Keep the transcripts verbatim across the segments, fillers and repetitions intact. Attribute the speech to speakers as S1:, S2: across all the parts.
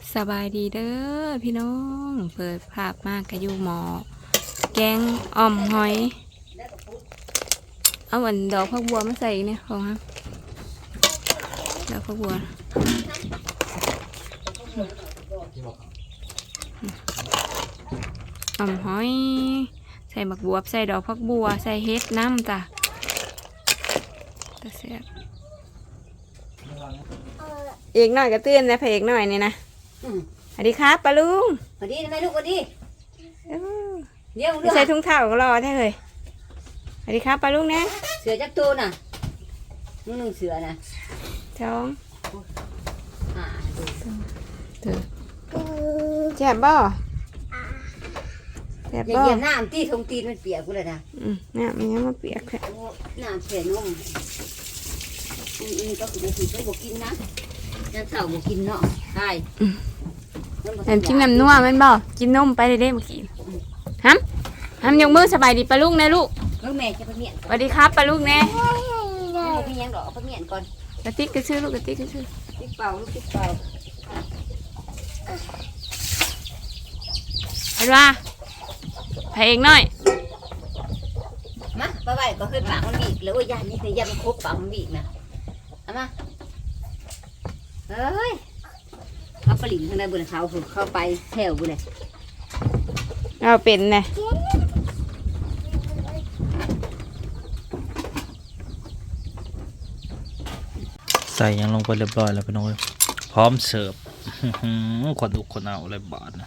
S1: สบายดีเด้อพี่น้องเปิดภาพมากกะยูหมอแกงอ่อมหอยเอาอันดอกผักบัวมาใส่เนี่ยของฮะดอกผักบัวอ่อมหอยใส่บักบัวใส่ดอกผักบัวใส่เฮ็ดน้ำจ้ะตะเสียบอีกหน่อยก็ตื่นนะพระเอกหน่อยนี่นะสวัสดีครับป้าลุง
S2: สวัสดีทำไมลูกสวัสดี
S1: เดี๋ยวใส่ถุงเท้าก็รอแท้เลยสวัสดีครับป้าลุงนะ
S2: เสือจักรตัวน่ะมึงหนึ่งเสือน่ะ
S1: สอง
S2: อ่าดู
S1: เถอะแจ่บบ่แจ่บบ่
S2: อย่าเหยียบน้ำตีทงตีนมันเปียกกูเลยนะ
S1: อืมน้ำมันยังมาเปียกแค่
S2: น้ำเสียนุ่มอืมอืมก็คือไม่กินก็บอกกินนะน้ำเสาบอกกินเนาะใช่
S1: แต่กินน้ำนัวมันบ่กินนมไปเด้ๆเมื่อกี้ฮัมฮัมยกมือสบายดีป้าลุงนะลูก
S2: ลูกแม่จะไปเมียน
S1: สวัสดีครับป้าลุงแน่
S2: ไปเมียนหรอไปเมียนก่อน
S1: กระติกกระชื่อลูกกระติกกระชื่อ
S2: ติ๊กเป่าลูกติ๊กเป่า
S1: เห็นว่าพระเอกหน่อย
S2: มาไปไปก็เคยปากมันบีบแล้วยานี่เนี่ยยามันครบปากมันบีบนะเอามาเฮ้ยเขาปลิ่นข้างในบนเขาเข้าไปแถวบุเลย
S1: เอาเป็นไง
S3: ใส่ยังลงไปเรียบร้อยแล้วพี่น้องพร้อมเสิร์ฟขวดอุกขวดเอาอะไรบาทนะ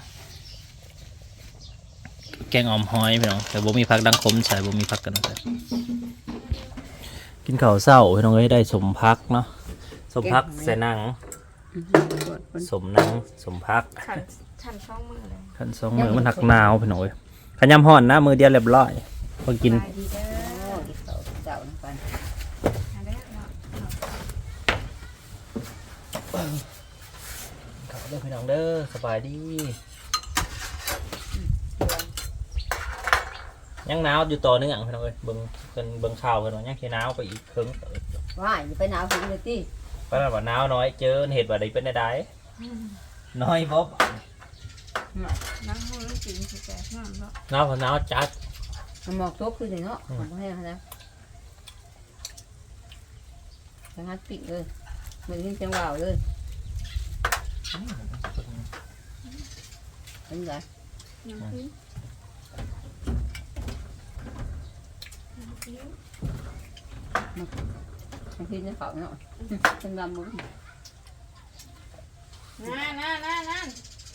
S3: แกงอ่อมหอยพี่น้องแต่บ่มีผักดังคมใส่บ่มีผักกันนะกินข้าวเศร้าพี่น้องได้สมพักเนาะสมพักใส่นังสมนังสมพัก
S1: ขันสองมือเลย
S3: ขันสองมือมันหักหนาวพี่น้องขยำห่อนนะมือเดียวเรียบร้อยพอกินข้าวเด้อพี่น้องเด้อสบายดียังหนาวอยู่ต่อเนื่องพี่น้องเอ้ยเบิ่งเป็นเบิ่งข่าวกันว่ายังแค่หนาวไปอีกครึ่ง
S2: ว่าอย่าไปหนาวถึงเลยที่
S3: เพราะว่าหนาวน้อยเจอเหตุว่าใดเป็นใดน้อยบ๊อบ
S1: น้ำหูน้ำจริงสิแต่น้ำเนาะ
S3: หนาวหนาวจัด
S2: หมอกทุกคือเนาะของพ่อแม่เขาแล้วจังหัดปิดเลยเหมือนยิ่งจังหวะเลยเป็นไงบางทีจะเผาเนาะเป็นลำมุ้ง
S1: นั่นนั่นนั่นนั่น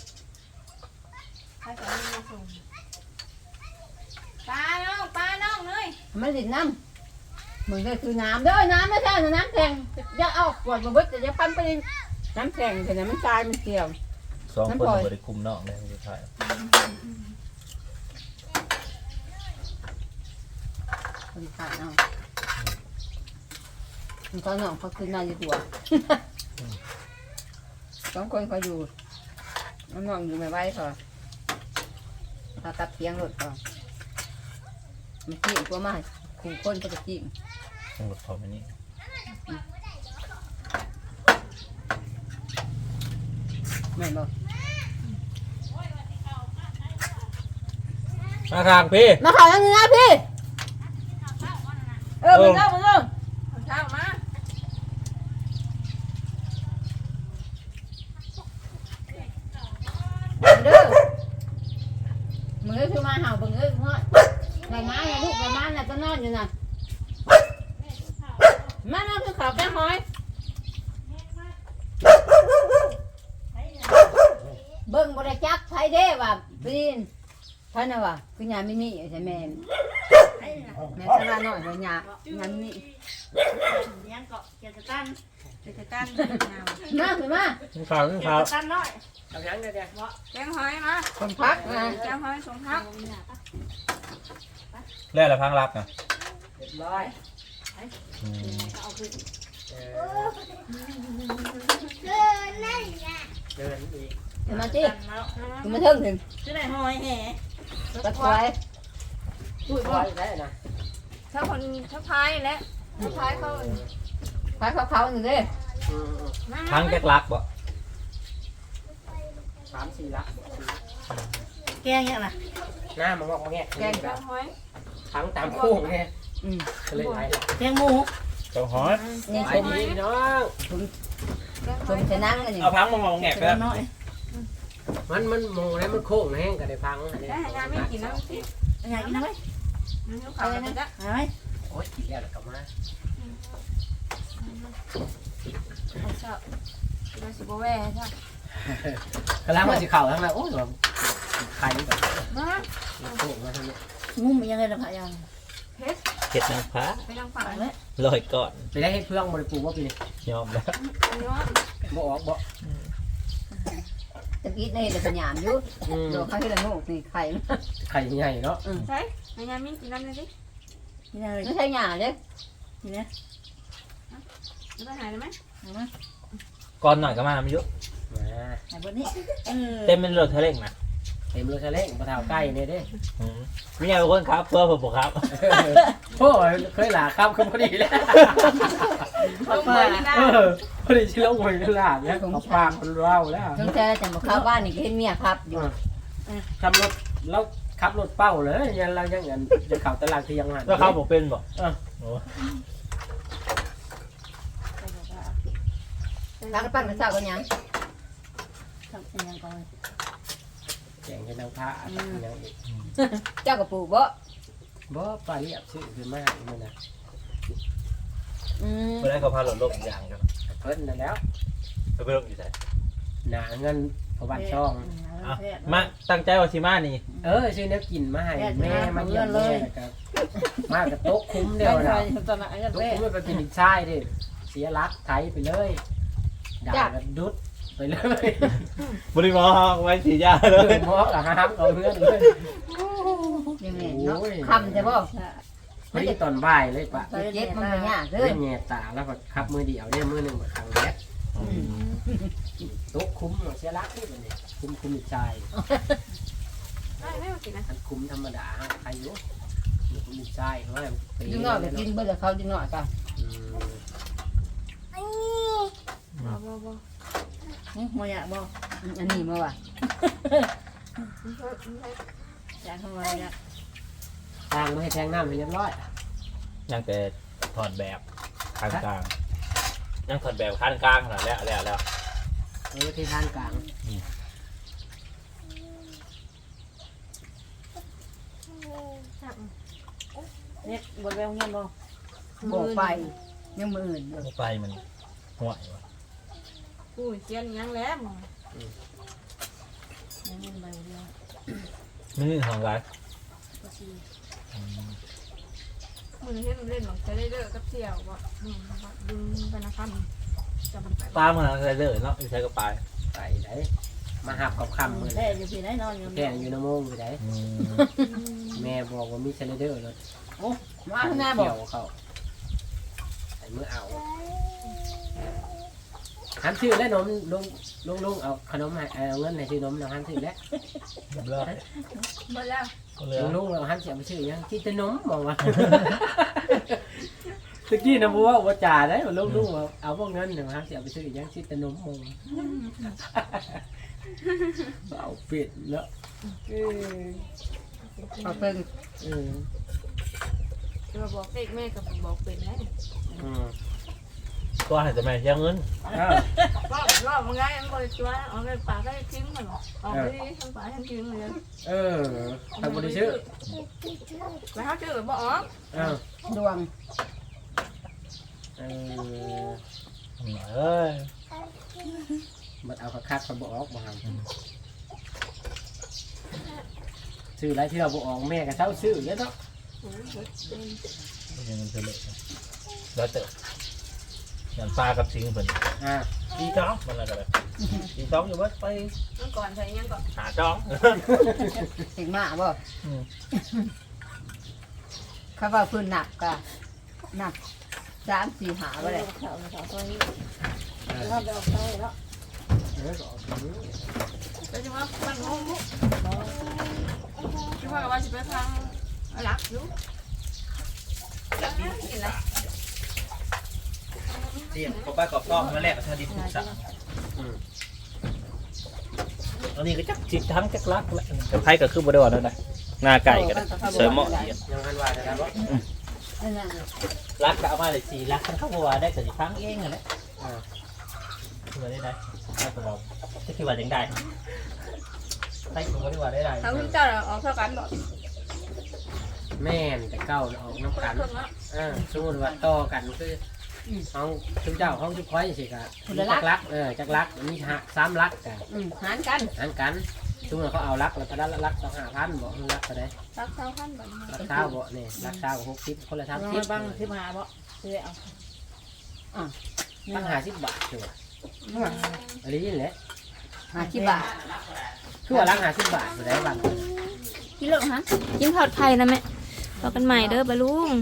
S1: ใครจะมาส่งปลาน้องปลาน้องเลย
S2: ไม่ดินน้ำเหมือนก็คือน้ำเด้อน้ำไม่ใช่น้ำแข็งอย่าเอาขวดมาบึ้ดแต่อย่าปั้นไปน้ำแข็งแต่น้ำตายมันเกี่ยว
S3: สองคนบริคุมนอกเลยไม่ใช่
S2: คนขายเอาเขาหน่องเขาคือนายอยู่ตัวสองคนเขาอยู่น้องน้องอยู่ไม่ไหวเขาเขาตัดเพียงรถเขามันจิ้มตัวมาขู่คนเขาจะจิ้ม
S3: ต้องรถเขาไปนี่
S2: ไม่บอก
S3: มาทางพี่
S2: มาข่าวยังไงนะพี่เออมึงเล่ามึงเล่า
S1: ข้าวมา
S2: เด้อมึงเอ้ยคือมาเห่ามึงเอ้ยเพราะไรม้าไงลูกไรม้าน่ะจะนอนอยู่น่ะมานอนคือข่าวแก้หอยเบิ่งบริจักไทยเด้ว่ะปีนท่านน่ะว่ะคือยามินิใช่แม่แม่ชราหน่อยว่ายายามินิ
S1: ยังเกาะเกี่ยวกับตันเกี่ยวกับตัน
S2: มาถึงมา
S3: ข่าวข่าว
S1: ตันน้อยทำยังไงเด็กวะแกงหอยมา
S2: สมพักนะ
S1: แกงหอยสมพัก
S3: เรื่องอะไรพังรักอ่ะ
S2: เรียบร้อยมาจีคุณมาถึงถึง
S1: ชื่อไหนหอยแห่
S2: ตะไคร้
S1: อุ้ยบ่ได้นะถ้าคนถ้าพายแล้วถ้าพายเขา
S2: พายเขาเขาหนึ่งดิ
S3: พังแก๊กลักบ่
S4: ามสี่ละ
S2: แกงเนี่ยนะ
S4: หน้ามันงอกมาแงะ
S2: แกง
S1: จ้าห้อย
S4: ทั้งตามโค้งไง
S2: อืม
S4: ก็เลยไหล
S2: แกงหมู
S3: เจ้าฮอต
S2: นี่
S4: ไป
S2: ชม
S4: ดีพี่น้อง
S2: ชมจะนั่งกันนี่
S3: เอาพังมามองแงกไป
S2: เดี๋ยวน้อย
S4: มันมันมองแล้วมันโค้งแห้งก็ได้พังอันนี้
S1: ได้งานไม่กินน้ำพริก
S2: อยากกินน้ำไหม
S1: น้ำขาวนะจ๊ะ
S2: เอาไหม
S4: โอ๊ยกินแล้วแล้วก็มา
S1: เอาเช้าเราสิบแว่ใช่
S4: กำลังมาสิเข่าทั้งนั้นโอ้ยแบบใครแบบ
S1: มา
S4: โค้งมาทั้งนี้
S2: งุ้มยังไงล่ะพะยัง
S1: เพชร
S3: เห็ดนางฟ้า
S1: ไปทางฝั่ง
S2: เอา
S1: เล
S2: ไหม
S1: ย
S3: ลอยก่อน
S4: ไปได้ให้เพื่อนบริปูว่าปีนี้
S3: ยอมแล้ว
S1: อันนี้ว่า
S4: บ่ออกบ่
S2: ตะกี้นี่เด็กสัญญาณอยู่
S4: อืม
S2: โดนข้าวที่ละงูนี่ไข่
S4: ไข่ใหญ่เนาะ
S1: ใช่งานมีกินน้ำเลยดิ
S2: นี่นะไม่ใช่หยาเด้นี่นะ
S1: แล้วไปหายได้ไหม
S2: เอามา
S3: ก่อนหน่อยก็มาไม่ยุ
S4: มา
S2: ไหนบนนี้เออ
S3: เต็มเป็นรถเทะเลงนะ
S4: เต็มรถทะเลปลาเท้าใกล้เนี่ยเด้
S3: อืมมีอะไรคนครับเพื่อผมบอกครับ
S4: โอ้ยเคยหลาข้ามขึ้นพอดีแล้ว
S1: ลงไปนะ
S4: เออพอดีชิลงไปกันหลาเนี่ยเอาปากมันเล่าแล้ว
S2: จงแท้จะมาเข้าบ้านนี่ก็เห็นเมียครับอยู่
S4: ทำรถแล้วขับรถเป้าเลยยันเรายังเงินจะเข่าตลาดที่ยังหัน
S3: แล้วเขาบอกเป็นบอก
S4: เออ
S3: โอ้
S2: ร้านปั้นกระเช้ากันยังทำยังก่อน
S4: แข่งกันนางพระยังอีก
S2: เจ้ากระปูบ่
S4: บ่ปลาเรียบชื่อคือมากมันนะ
S2: อืม
S3: เมื่อไรเขาพาหลดลมอย่างกัน
S4: เพิ่นนั่นแล้ว
S3: ไปไปลงอยู่ไหน
S4: หนาเงินพบัตช่อง
S3: อ่ะมาตั้งใจว่าชิมานี่
S4: เออชื่อเนี้ยกินมาให้แม่มาเยี่ยมแม่นะครับมากับโต๊ะคุ้มเดียวนะ
S2: ตอนนั้นไอ้
S4: โต๊ะ
S2: แม่
S4: คุ้มไปเป็นหินทรายดิเสียรักไทยไปเลยด่ากันดุดไปเลย
S3: บริมอไว้สียาเล
S4: เลย ยมอกกับห้ามเอาเพื่อนเลย
S2: ยังไงเนาะคำจะบ่
S4: พอดีตอนบ่ายเลยปะ
S2: เจ็บมันไม่ยากเล
S4: เล่
S2: ย
S4: นแง่ตาแล้วก็ขับมือเดียวเนี่ยมือหนึ่งมาทางแรกโต๊ะคุ้มเสียรักที่มันนี่คุ้มคุ้มอีกใจ
S1: ได้ไม่มากินนะ
S4: อันคุ้มธรรมดาใครอยู่คุ้มอีกใจเพราะว่า
S2: ดึงหน่อยไปกินเบอร์เขาดึงหน่อยก่อน
S1: บ่บ่บ่
S2: มอยากบ่อันนี้มาว่ะจานทำไมเนี่ย
S4: ทางไม่ให้แทงน้ำให้เรียบร้อย
S3: ยังแต่ถอดแบบข้างกลางยังถอดแบบข้างกลางขนาดแล้วแล้วแล้ว
S4: เออที่ทางกลาง
S2: เนี่ยบนแววเงี้ยบ่บอกไปยังมืออื่น
S3: ไปมันห่วย
S1: กูเชียนยังแล้วมึง
S2: ยังไม่ใบเดียว
S3: ไม่มีของไร
S1: มึงเห็นเล่นหรอกจะได้เลิกกับเสี่ยวบ่ดึงดึงไปนะครับจะมันไป
S3: ปลามันอะไรเลยเนาะใช้กระปาย
S4: ไปไหนมาหับกับคำมือ
S2: แค่อยู่ที่ไหนนอนอยู่
S4: แค่อยู่น้ำมงอยู่ไหนแม่บอกว่ามีเซเลเดอร์รถ
S2: มาข้างหน้าบอก
S4: เกี่ยวเขาใส่มือเอาหันชื่อแล้วนมลุงลุงลุงเอาขนมให้เอาเงินให้ชื่อนมเราหันชื่อแล้ว
S3: เลิก
S1: หมดแล้ว
S3: เลย
S4: ลุงลุงเราหันเสียไปชื่อยังที่ตะนมบอกว่าตะกี้นะบัวว่าจ่าได้ลุงลุงเอาพวกเงินเนี่ยหันเสียไปชื่อยังที่ตะนมมองเอาเป็ดแล้วเออ
S2: ขอเพิ่ง
S4: เออ
S1: จะบอกเด็กแม่กับบอกเป็นไง
S4: อืม
S3: ก็ให้แต่แม่เสียเงิน
S4: อ้าว
S1: ว่าว่ามึงไงมันบริจาคเอาไปปากได้ทิ้งมันหรอเอาไปทั้งปากทั้งทิ้งเลย
S4: เออทำบริชื่อ
S1: ไปหาชื่อบ่อ๋อ
S4: อ้าว
S2: ดวง
S4: เออ
S3: เอ้ย
S4: มันเอาคักๆคนบอกออกมาซื้อไรที่เราบอกออกแม่กับเช้าซื้อเยอะเนาะ
S3: ยังเงินเฉลยแล้วเจอยันปลากับสิงเพิ่น
S4: อ่า
S3: ตีจ้องมันอะไรกันเลยตีจ้องอยู่ว่าไป
S1: เมื่อก่อนใส่ยังก่อน
S3: หาจ้อง
S2: ถึงมาบ่เขาว่าพื้นหนักกะหนักสามสี่หาบ่ได้เขาเขาตัวนี้เราไปออกเท่าแล้ว
S4: เออก็ออกซื้อ
S1: แล้วจะว่ามันงงจะว่าว่าจะไปฟังรักอยู่กินอะไร
S3: เสียงกบป้ากบต้องมาแลกกับชาดิบถูกสั่ง
S4: อืม
S3: อันนี้ก็จักจิตทั้งจักรักแหละแต่ไผก็คือบ่ได้ว่าแล้วนะหน้าไก่ก็ได้เสริมเหมาะดี
S4: ยังพันว่าได้บ่
S2: นั่นน่ะ
S3: รักก็เอามาเลยสี่รักคันเข้าบ่ว่าได้ก็สิฟังเองนั่นแหละอ่าคือว่าได้ได้ถ้าก็เราจะคิดว่าจังได้ไผก็บ่ได้ว่าได้ได้
S1: เขาเจ้าออกเท่ากันบ่
S4: แม่นแต่เก้าออกน้ำกันเออสมมุติว่าต่อกันคือเอาทุกเจ้าของทุกค้อยสิก็จักรักเออจักรักมีหักสามรักกัน
S2: อืมหารกัน
S4: หันกันสมมุติเขาเอารักแล้วพนันรักต้องห้าพันบ่รักเท่าใด
S1: รักเท่าพันบ่
S4: รักเช้าบ่นี่รักเช้าหกสิบคนละสามสิบ
S5: บ้างที่มาบ่ซื้อเอา
S4: ตั้งห้าสิบบาทคือว่าอันนี้แหละ
S2: ห้าสิบบาท
S4: คือว่ารักห้าสิบบาทอยู่ได้บ้าง
S2: กิโลฮะ
S1: กินทอดไข่นะแม่พอกันใหม่เด้อบะลุง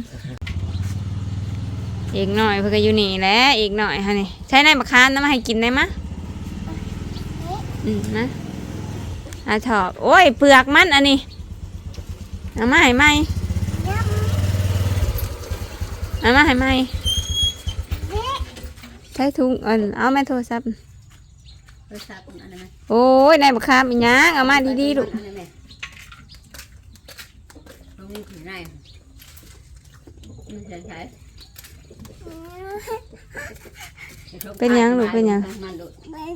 S1: อีกหน่อยเพื่อก็อยู่นี่แหละอีกหน่อยฮะนี่ใช้ในมะขามน้ำมาให้กินได้มะอืมนะอาถอกโอ้ยเปลือกมันอันนี้เอามาให้ไหมเอามาให้ไหมใช้ถุงเอินเอาแม่โทรศัพท์
S2: เออทราบอันนั้นไหม
S1: โอ้ยในมะขามอีหยังเอามาดีๆลูก
S2: อันนั้นไหมตรงนี้ถือได้มันใช้ใช้
S1: เป็นหยังลูกเป็นหยัง
S2: มันโดด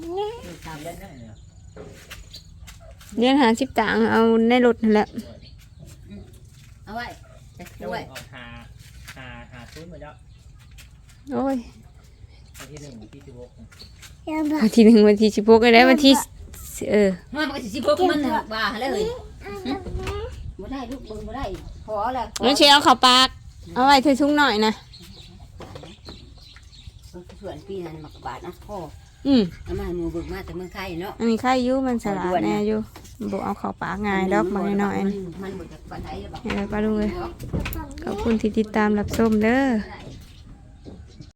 S1: เลี้ยงหาสิบตังค์เอาในรถนั่นแหละ
S2: เอาไว้ใส่
S3: เจ้า
S2: ไว้
S3: ออกหาหาหาซื้อมาเจ้า
S1: โอ้ย
S3: วันที่หนึ่งที่สิบหก
S1: วันที่หนึ่งวันที่สิบหกก็ได้วันที่เออ
S2: มันมันก็สิบหกมันน่ะบ้าเลยบ่ได้ลูกเบิ่งบ่ได้พอแล้ว
S1: งั้นเชียวเอาเข้าปากเอาไว้เธอทุ่งหน่อยนะ
S2: ส่วนปีนั้นมักบาทนะพ่อ
S1: อืม
S2: เอามาให้หมูเบิ่งมาแต่เมืองไทยเนาะ
S1: อันนี้ไข่อยุมันสลัดแน่อยู่บุเอาเข้าปากง่ายดอกบางหน่อย
S2: มั
S1: นี่
S2: มันบ่จากปานใดหรอก
S1: เออป้าลุงเลยขอบคุณที่ติดตามรับชมเด้อ
S2: ได้